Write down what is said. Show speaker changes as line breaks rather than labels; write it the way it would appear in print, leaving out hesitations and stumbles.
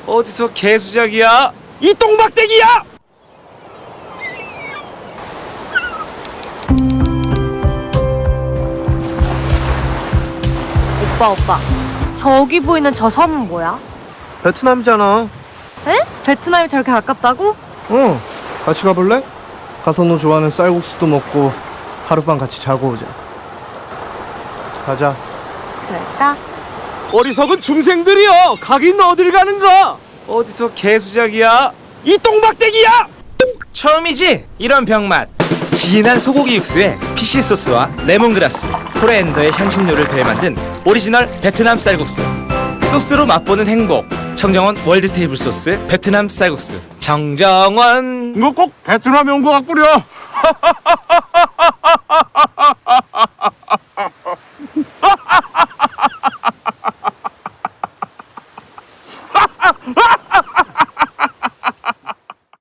어디서 개수작이야?
이 똥박대기야!
오빠. 저기 보이는 저 섬은 뭐야?
베트남이잖아.
에? 베트남이 저렇게 가깝다고?
응. 같이 가볼래? 가서 너 좋아하는 쌀국수도 먹고 하룻밤 같이 자고 오자. 가자.
그럴까?
어리석은 중생들이여! 가긴 어딜 가는가?
어디서 개수작이야?
이 똥박대기야!
처음이지? 이런 병맛. 진한 소고기 육수에 피쉬 소스와 레몬그라스, 코리앤더의 향신료를 더해 만든 오리지널 베트남 쌀국수. 소스로 맛보는 행복. 청정원 월드 테이블 소스 베트남 쌀국수. 정정원.
이거 꼭 베트남에 온 것 같구려.